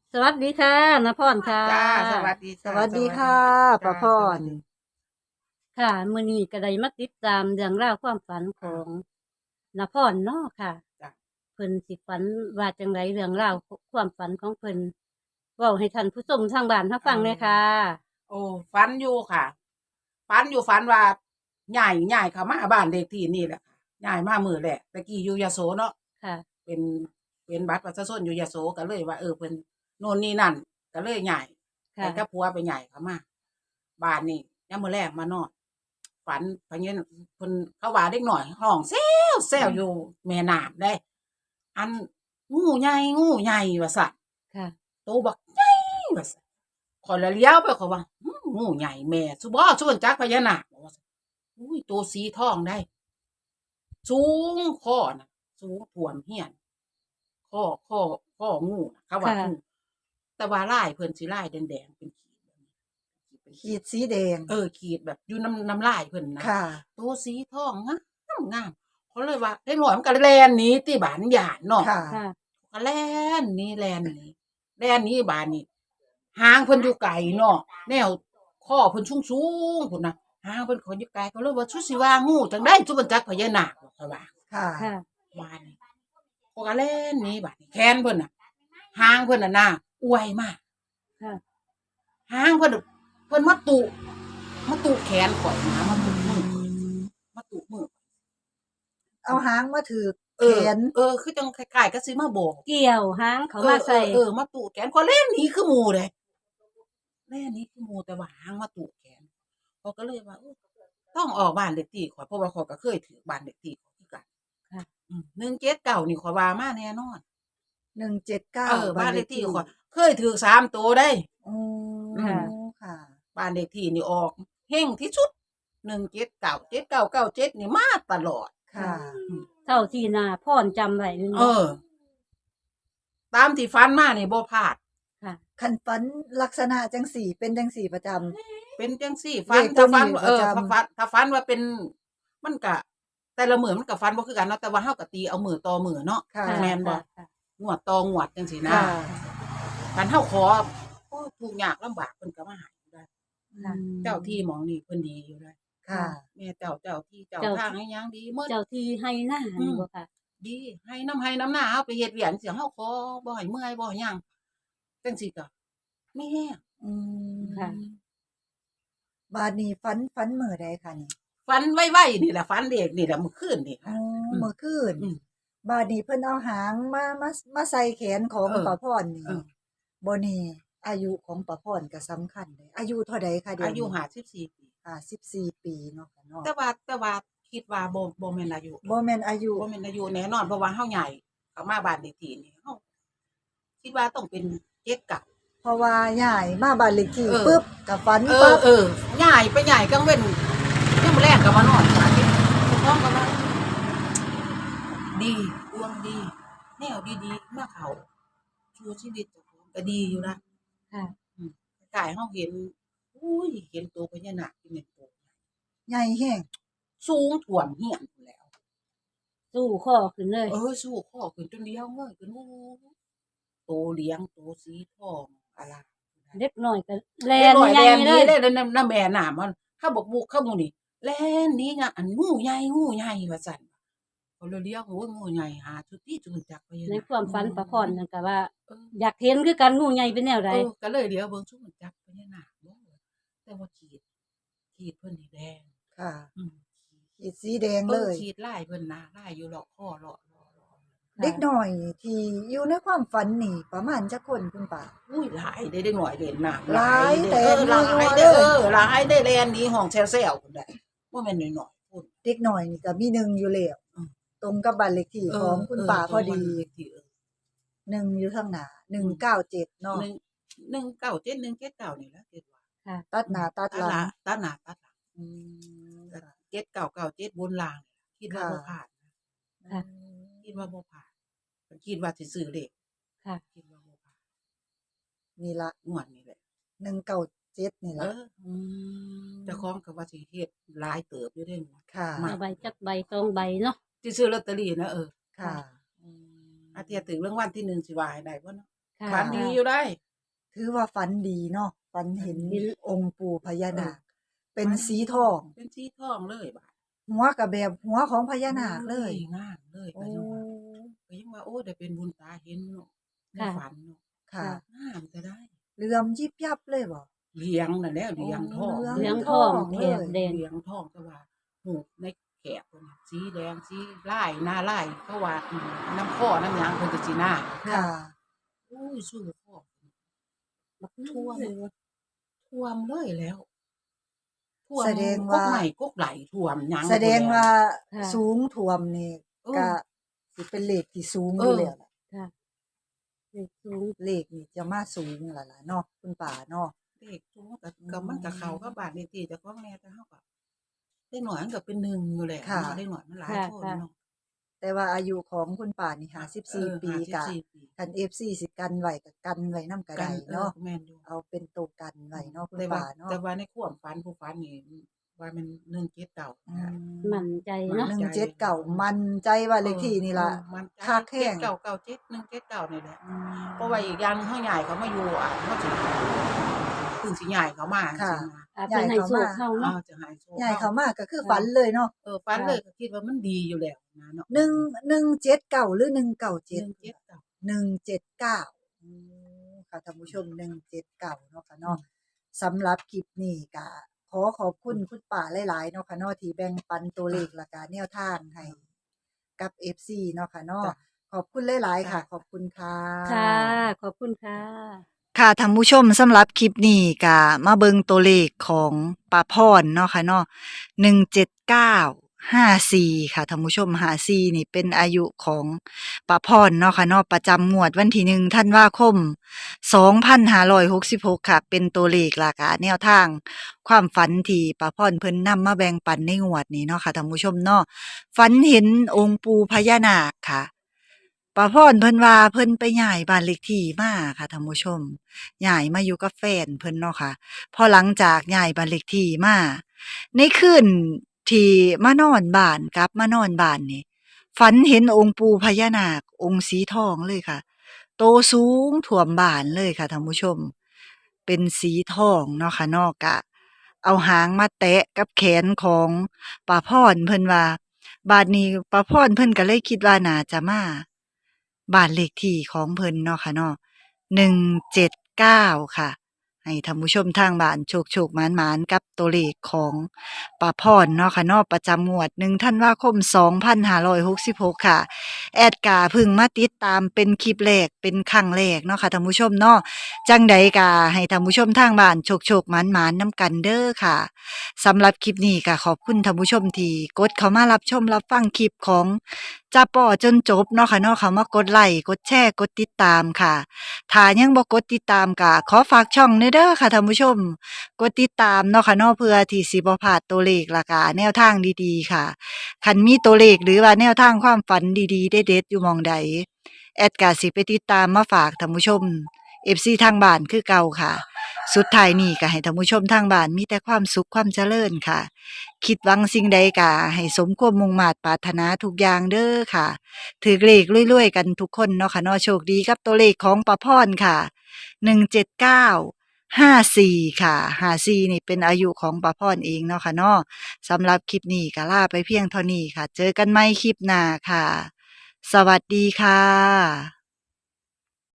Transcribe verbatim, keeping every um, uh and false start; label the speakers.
Speaker 1: สวัสดีค่ะนพรค่ะ
Speaker 2: จ้าสวัสดี
Speaker 3: ส
Speaker 2: ค่ะ
Speaker 3: วัสดีค่ะ
Speaker 2: จ้า
Speaker 3: ป้าพร
Speaker 2: สวัสดี
Speaker 1: ค่ะมื้อนี้ก็ได้มาติดตามเรื่องราวความฝันข
Speaker 2: อ่า
Speaker 1: องนพรเนาะค่ะ
Speaker 2: จ้า
Speaker 1: เพิ่นสิฝันว่าจังไรเรื่องราวความฝันของเพิ่นเว้าให้ท่านผู้ชมทางบ้านรับ
Speaker 2: เอ
Speaker 1: ฟังเลย
Speaker 2: อ
Speaker 1: ค่ะ
Speaker 2: โอ้ฝันอยู่ค่ะฝันอยู่ฝันว่าใหญ่ใหญ่เข้ามาบ้านเลขที่นี่แหละค่ะใหญ่มามื้อแรกตะกี้อยู่ยโสเนาะ
Speaker 1: ค่ะ
Speaker 2: เป็นเป็นบัตรประชาชนอยู่ยโสก็เลยว่าเออเพิ่นโน่นนี่นั่นก็เลยใหญ่ไป
Speaker 1: ค่ะ
Speaker 2: กับผัวไปใหญ่เข้ามาบ้านนี่ยามมื้อแรกมานอนฝันพะเงี้ยเพิ่นเขาว่าเด็กน้อยร้องแซวแซวอยู่แม่น้ำเด้อันงูใหญ่งูใหญ่ว่าซั่น
Speaker 1: ค่ะ
Speaker 2: โตบักใหญ่ว่าซั่นข้อยละเลี้ยวไปข้อยว่าอื้องูใหญ่แม่ซุบ่ซุเพิ่นจักพญานาคบ่ว่าซั่นอุ้ยโตสีทองได้สูงค้อน่ะสูงท่วมเฮียนค้อค้อค้องูน่ะเขาว่า
Speaker 1: ค่ะ
Speaker 2: งูแต่ว่าลายเพิ่นสิลายแดงๆเป็นขีดแบบนี้เป็นขี
Speaker 3: ขี
Speaker 2: ด
Speaker 3: ดสีแดง
Speaker 2: เออขีดแบบอยู่น้ำน้ำลายเพิ่นนะ
Speaker 3: ค่ะ
Speaker 2: โตสีทองงามงามเขาเลยว่าเด็กน้อยมันก็แล่นหนีติบาดมันย้านเนาะ
Speaker 3: ค่ะ
Speaker 1: ค่ะ
Speaker 2: ก็แล่นหนี้แล่นหนี้แล่นหนี้บานนี้หางเพิ่นอยู่ไกลเนาะแนวข้อเพิ่นสูงๆพุ่นน่ะหางเพิ่นเขาอยู่ไกลเขาเลยว่าชุสิว่างูจังได๋จุมันจักพญานาคเขาว่า
Speaker 3: ค่ะ
Speaker 1: ค่ะ
Speaker 2: บานนี้เขาก็แล่นหนี้บาดนี้แขนเพิ่นน่ะหางเพิ่นน่ะนะอวยมาก
Speaker 1: ค่ะ
Speaker 2: หางเพิ่นน่ะเพิ่นมาตุมาตุแขนข่อยนะมาตุมือข่อยมาตุมือ
Speaker 3: เอาหางมาถือ
Speaker 2: เอ
Speaker 3: แข
Speaker 2: อนเออคือจังคล้ายๆกับสิมาโบก
Speaker 1: เกี่ยวหางเขา
Speaker 2: เออเอ
Speaker 1: มาใส่
Speaker 2: อเออมาตุแขนข่อยแล่นหนีคือหมู่เด้ แม่นี้คือหมู่แต่ว่าหางมาตุแขนเขาก็เลยว่าเออต้องออกบ้านเลขที่ข้อยเพราะว่าข้อยก็เคยถือบ้านเลขที่ข้อยคือกัน
Speaker 1: ค่ะ
Speaker 2: อืมหนึ่งเจ็ดเก้านี่ข้อยว่ามาแน่นอน
Speaker 3: หนึ่งเจ็ดเก้า
Speaker 2: เออบ้านเล
Speaker 3: บ้านเลขที่
Speaker 2: ขที่ข้อยเคยถือสามตัวได้
Speaker 3: โอ้
Speaker 1: ค่ะ
Speaker 3: ค่ะ
Speaker 2: บ้านเลขที่นี่ออกเฮงที่สุดหนึ่งเจ็ดเก้าเจ็ดเก้าเก้าเจ็ดนี่มาตลอด
Speaker 3: ค่ะ
Speaker 2: อืม
Speaker 1: เท่าที่นาพรจำไว้นี่
Speaker 2: เออ ตามที่ฟันมานี่บ่พลาด
Speaker 1: ค่ะ
Speaker 3: คันฝันลักษณะจังสี่เป็นจังสี่ประจ
Speaker 2: เป็นจังซี่ฟัน
Speaker 3: เลขตั
Speaker 2: ถ้าว ฟัน
Speaker 3: นี้
Speaker 2: เออ
Speaker 3: ประจำ
Speaker 2: ถ้าฟันถ้าฟันว่าเป็นมันก็แต่ละมื้อมันก็ฟันบ่คือกันเนาะแต่ว่าเฮาก็ตีเอามื้อต่อมื้อเนาะ
Speaker 3: ค่ะ
Speaker 1: ค่ะ
Speaker 2: แม่นบ่
Speaker 1: ค่ะ
Speaker 2: งวดต่องวดจังซี่นะ
Speaker 3: ค่ะ
Speaker 2: คันเฮาขอโอ้ทุกข์ยากลำบากเพิ่นก็มาให้อยู่ได้
Speaker 1: ค่ะ
Speaker 2: เจ้าที่หมองนี่เพิ่นดีอยู่ได้
Speaker 3: ค่ะ
Speaker 2: แม่เจ้าเจ้าที่เจ้า
Speaker 1: เจ้า
Speaker 2: ทางให้หยังดีหมด
Speaker 1: เจ้าที่ให้หน้านี่บ่ค่ะ
Speaker 2: ดีให้น้ำให้น้ำหน้าเฮาไปเฮ็ดเวียกจังซี่เฮาขอบ่ให้เมื่อยบ่ให้หยังจังซี่ก็มีแฮง
Speaker 3: อืม
Speaker 1: ค่ะ
Speaker 3: บาดนี้ฝันฝันมื้อใดคะนี่
Speaker 2: ฝันไวๆนี่แหละฝันเด็กนี่แหละมื้อคืนนี่
Speaker 3: อ๋อ
Speaker 2: ค่ะ
Speaker 3: เมื่อคืน
Speaker 2: อืม
Speaker 3: บาดนี้เพิ่นเอาหางมามามาใส่แขนของ
Speaker 2: เออ
Speaker 3: ป้าพรนี่
Speaker 2: เออ
Speaker 3: บ่แน่อายุของป้าพรก็สำคัญเด้อายุเท่าใดคะเดี๋ยว
Speaker 2: อายุ
Speaker 3: นี้
Speaker 2: ห้าสิบสี่ปี
Speaker 3: ห้าสิบสี่ปีเนาะค่ะเนาะ
Speaker 2: แต่ว่าแต่ว่าคิดว่าบ่บ่แม่นอายุ
Speaker 3: บ่แม่นอายุ
Speaker 2: บ่แม่นอายุแน่นอนเพราะว่าเฮาใหญ่เข้ามาบ้านเลขที่นี่เฮาคิดว่าต้องเป็นเจ็ดเก้า
Speaker 3: เพราะว่าย้ายมาบ้านเลขที่
Speaker 2: เออ
Speaker 3: ปึ๊บก็ฝัน
Speaker 2: เออ
Speaker 3: ปั๊บ
Speaker 2: เออใหญ่ไปใหญ่กลางเว้นยังมื้อแรกก็มานอนฝันเห็นพร้อมกันว่าดีดวงดี แนวดีๆมาเข้าสู่ชีวิตเจ้าของก็ดีอยู่นะ
Speaker 1: ค่ะ
Speaker 2: อืมคล้ายๆเฮาเห็นอุ้ยเห็นตัวพญานาคที่แม่นโต
Speaker 3: ใหญ่แฮง
Speaker 2: สูงท่วมเฮียนพู้นแหล้ว
Speaker 1: สู้ข้อขึ้นเลย
Speaker 2: เออสู้ข้อขึ้นจนเดียวเงยขึ้นโอ้โตเลี้ยงโตสีทองอลาม
Speaker 1: เล็กน้อยก็แล
Speaker 2: เด็ก
Speaker 1: น
Speaker 2: น้อย
Speaker 1: ใหญ่
Speaker 2: แล่นห
Speaker 1: เล
Speaker 2: นี
Speaker 1: ย
Speaker 2: เลยแล้วน้ำน้ำแม่น้ามันเขาบอกบุกเข้าหมู่นี่แล่นหนีงะอันงูใหญ่งูใหญ่ว่าซั่นเขาเลยเรียกโอ้ยงูใหญ่หาจุดที่จุดจักพญา
Speaker 1: ใน
Speaker 2: นาค
Speaker 1: ความฝันประพรนั่นก็ว่า
Speaker 2: เออ
Speaker 1: อยากเห็นคือกันงูใหญ่เป็นแนวใด
Speaker 2: เออก็เลยเดี๋ยวเบิ่งจุดจักพญานาคบ่แต่ว่าขีดขีดเพิ่นนี่แดง
Speaker 3: ค่ะ
Speaker 2: อืม
Speaker 3: ขีดสีแดง
Speaker 2: เอ
Speaker 3: เล
Speaker 2: อย ขีดลายเพิ่นน่ะลายอยู่เลาะคอเลาะเลาะเลาะ
Speaker 3: เด็กน้อยที่อยู่ในความฝันนี่ประมาณจักคนคุณป้า
Speaker 2: อุ้ยหลายได้ได้หน่อยเด่นน่ะ
Speaker 3: หลาย
Speaker 2: เด้อ
Speaker 3: แต่
Speaker 2: เออหลาย
Speaker 3: นัวๆ
Speaker 2: ได้
Speaker 3: เลย
Speaker 2: เออหลายได้แลนหนี้ห้องแซวๆพุ่นได้บ่แม่นน้อยๆพุ่น
Speaker 3: เด็กน้อยนี่ก็มีหนึ่งอยู่แล้ว
Speaker 2: อืม
Speaker 3: ตรงกับบ้านเลขที่ของคุณป้าพอดี
Speaker 2: เเลขที่เออ
Speaker 3: หนึ่งอยู่ข้างหน้าหนึ่งเก้าเจ็ดเนาะ
Speaker 2: หนึ่งหนึ่งเก้าเจ็ด หนึ่งเจ็ดเก้านี่แหละคิดว่า
Speaker 1: ค่ะ
Speaker 3: ตัดหน้าตัด
Speaker 2: ตัด
Speaker 3: หลั
Speaker 2: ห
Speaker 3: ง
Speaker 2: น้าตัดหน้าตัดหลัง
Speaker 3: อืมค่ะ
Speaker 2: เจ็ดเก้าเก้าเจ็ดบนล่างนี่ล่ะคิดว่าบ่พลาดนะ
Speaker 1: ค่ะ
Speaker 2: คิดว่าบ่พลาดคิดว่าสิซื้อเลข
Speaker 1: ค่ะ
Speaker 2: คิดว่าบ่พลาด
Speaker 3: นี่ละ
Speaker 2: งวดนี้แหละ
Speaker 3: หนึ่งเก้าเจ็ดนี่
Speaker 2: เอ
Speaker 3: ละ
Speaker 2: อเจ้าของก็ว่าสิเฮ็ดหลายเติบอยู่เด้
Speaker 3: ค่ะ
Speaker 2: มา
Speaker 1: เอาใบจักใบสองใบเนาะ
Speaker 2: สิซื้อลอตเตอรี่นะเออ
Speaker 3: ค่ะ
Speaker 2: อาเทียถึงรางวัลที่หนึ่งสิว่าให้ได้บ่เนาะ
Speaker 1: ค่ะ
Speaker 2: ฝันดีอยู่ได้
Speaker 3: ถือว่าฝันดีเนาะฝันเห็น
Speaker 1: เห็น
Speaker 3: องค์ปู่พญานาค เป็น
Speaker 2: ฝัน
Speaker 3: สีทอง
Speaker 2: เป็นสีทองเลยบาด
Speaker 3: หัวก็แบบหัวของพญานาคเลย
Speaker 2: โอ้งามเลย
Speaker 3: โอ้
Speaker 2: ก็ยังว่าก็ยังว่าโอ้ได้เป็นบุญตาเห็นเนาะใน
Speaker 1: ค่ะ
Speaker 2: ฝันเนาะ
Speaker 3: ค่ะ
Speaker 2: งามจะได้
Speaker 3: เหลื่อมยิบยับเลยบ่
Speaker 2: เลี้ยงนั่นแหละเลี้ยงทอง
Speaker 3: เหลือง
Speaker 1: เหลือง
Speaker 3: ท
Speaker 1: ท
Speaker 3: อ
Speaker 1: อง ง
Speaker 3: เล
Speaker 1: แถ
Speaker 3: ย
Speaker 1: บแดง
Speaker 2: เลี้ยงทองแต่ว่าหูกในแขกเพิ่นน่ะสีแดงสีลายหน้าลายเขาว่าอืมน้ำข้อน้ำหยังเพิ่นจะสิหน้า
Speaker 3: ค่ะ
Speaker 2: อุ้ยสู้ข้อบักท่วมท่วมเลยแล้วท่วม
Speaker 3: แสดง
Speaker 2: ก
Speaker 3: ว่า
Speaker 2: กใหม่กกไหลท่วมหยัง
Speaker 3: แสดงว่า
Speaker 1: ค่ะ
Speaker 3: สูงท่วมนี่
Speaker 2: เออ
Speaker 3: ก็สิเป็นเลขที่สูงอ
Speaker 2: เอยู่ อ
Speaker 3: แล้วล่ะ
Speaker 1: ค่ะเลขสูง
Speaker 3: เลขนี่จะมาสูงล่ะล่ะเนาะคุณป่าเนาะ
Speaker 2: เด็กทุกก็ก็มันก็เข้ากับบาดเลขที่เจ้าของแน่แต่เฮาก็เด็กน้อยมันก็เป็นหนึ่งอยู่แหละ
Speaker 3: ค่ะ
Speaker 2: เนาะเด็กน้อยมันหลาย
Speaker 1: ค่ะ
Speaker 2: คน
Speaker 1: ค่ะ
Speaker 2: เนาะ
Speaker 3: แต่ว่าอายุของคุณป่านี่
Speaker 2: เอ
Speaker 3: ห้าสิบ
Speaker 2: อ
Speaker 3: สี่ ปี
Speaker 2: ห้าสิบ
Speaker 3: กะ
Speaker 2: สี่ปี
Speaker 3: คัน เอฟ ซี สิกันไว้ก็กันไว้นำก็
Speaker 2: กั
Speaker 3: ได้
Speaker 2: นเออ
Speaker 3: เนาะ
Speaker 2: แม่นอยู่
Speaker 3: เอาเป็นตัวกันไว้เนาะคุณ
Speaker 2: แต่ว่า
Speaker 3: ป่าเนาะ
Speaker 2: แต่ว่าในความฝันผู้ฝันนี่ว่ามันหนึ่งเจ็ดเก้า
Speaker 3: อื
Speaker 2: นะ
Speaker 3: ม
Speaker 1: มั่นใจเนาะ
Speaker 3: หนึ่งเจ็ดเก้ามั่นใจว่าเลขที่นี่ล่ะ
Speaker 2: เออมัน
Speaker 3: คักแห้ง
Speaker 2: เก้าเก้าเจ็ดหนึ่งเจ็ดเก้านี่แหละ
Speaker 3: อืม
Speaker 2: เพราะว่าอีกอย่างหนึ่งเฮาใหญ่เขามาอยู่อ่ะเฮาสิเพิ่งสิใหญ่เขามา
Speaker 3: ค่ะ
Speaker 2: สินะ
Speaker 1: อาจจะให้โชคเข้า
Speaker 2: อ้า
Speaker 1: เนาะ
Speaker 2: วจะหายโชค
Speaker 3: ใหญ่เขามากก็คือฝันเลยเนาะ
Speaker 2: เออฝันเลยก็คิดว่ามันดีอยู่แล้วนะเนาะ
Speaker 3: หนึ่งหนึ่งเจ็ดเก้าหรือหนึ่งเก้า
Speaker 2: ห
Speaker 3: เจ็ด
Speaker 2: นึ่งเจ็ดเก้า
Speaker 3: หนึ่งเจ็ดเก้าอืมค่ะท่านผู้ชมหนึ่งเจ็ดเก้าเนาะค่ะเนาะสำหรับคลิปนี้ก็ขอขอบคุณคุณป่าหลายๆเนาะค่ะเนาะที่แบ่งปันตัวเลขและก็แนวทางให้กับ เอฟ ซี เนาะค่ะเนาะ
Speaker 2: จ้ะ
Speaker 3: ขอบคุณหลายๆค่ะ ขอบคุณค่ะ
Speaker 1: ค่ะ ขอบคุณค่ะ
Speaker 3: ค่ะท่านผู้ชมสำหรับคลิปนี้ก็มาเบิ่งตัวเลขของป้าพรเนาะค่ะเนาะหนึ่งเจ็ดเก้าห้าสี่ค่ะท่านผู้ชมห้าสี่นี่เป็นอายุของป้าพรเนาะค่ะเนาะประจำงวดวันที่หนึ่งธันวาคมสองพันห้าร้อยหกสิบหกค่ะ เป็นตัวเลขหลักแนวทาง ความฝันที่ป้าพรเพิ่นนำมาแบ่งปันในงวดนี้เนาะค่ะท่านผู้ชมเนาะฝันเห็นองค์ปู่พญานาคค่ะ ป้าพรเพิ่นว่าเพิ่นไปย้ายบ้านเลขที่มาค่ะท่านผู้ชมย้ายมาอยู่กับแฟนเพิ่นเนาะค่ะพอหลังจากย้ายบ้านเลขที่มาในคืนที่มานอนบ้านกลับมานอนบ้านนี่ฝันเห็นองค์ปู่พญานาคองค์สีทองเลยค่ะโตสูงท่วมบ้านเลยค่ะท่านผู้ชม เป็นสีทองเนาะค่ะเนาะกะ เอาหางมาแตะกับแขนของป้าพรเพิ่นว่าบาดนี้ป้าพรเพิ่นก็เลยคิดว่าน่าจะมาบ้านเลขที่ของเพิ่นเนาะค่ะเนาะหนึ่งเจ็ดเก้าค่ะ ให้ท่านผู้ชมทางบ้านโชคๆหมานๆกับตัวเลขของป้าพรเนาะค่ะเนาะประจำงวดหนึ่งธันวาคมสองพันห้าร้อยหกสิบหกค่ะ แอดกาเพึ่งมาติดตามเป็นคลิปแรกเป็นครั้งแรกเนาะค่ะท่านผู้ชมเนาะจังใดกาให้ท่านผู้ชมทางบ้านโชคๆหมานๆนำกันเด้อค่ะสำหรับคลิปนี้ก็ขอบคุณท่านผู้ชมที่กดเข้ามารับชมรับฟังคลิปของจ้าป่อจนจบเนาะค่ะเนาะเข้ามากดไลค์กดแชร์กดติดตามค่ะถ้ายังบ่กดติดตามก็ขอฝากช่องเด้อค่ะท่านผู้ชมกดติดตามเนาะค่ะเนาะเพื่อที่สิบ่พลาดตัวเลขและก็แนวทางดีๆค่ะ คันมีตัวเลขหรือว่าแนวทางความฝันดีๆเด็ดๆอยู่หม้องใดแอดกาสิไปติดตามมาฝากท่านผู้ชม เอฟ ซี ทางบ้านคือเก่าค่ะ สุดท้ายนี้ก็ให้ท่านผู้ชมทางบ้านมีแต่ความสุขความเจริญค่ะ คิดหวังสิ่งใดก็ให้สมความมุ่งมา่ปรารถนาทุกอย่างเด้อค่ะถือเลขรวยๆกันทุกคนเนาะค่ะเนาะโชคดีกับตัวเลขของป้าพรค่ะหนึ่งเจ็ดเก้าห้าสี่ค่ะห้าสี่นี่เป็นอายุของป้าพรเองเนาะค่ะเนาะ สำหรับคลิปนี้ก็ลาไปเพียงเท่านี้ค่ะ เจอกันใหม่คลิปหน้าค่ะ สวัสดีค่ะ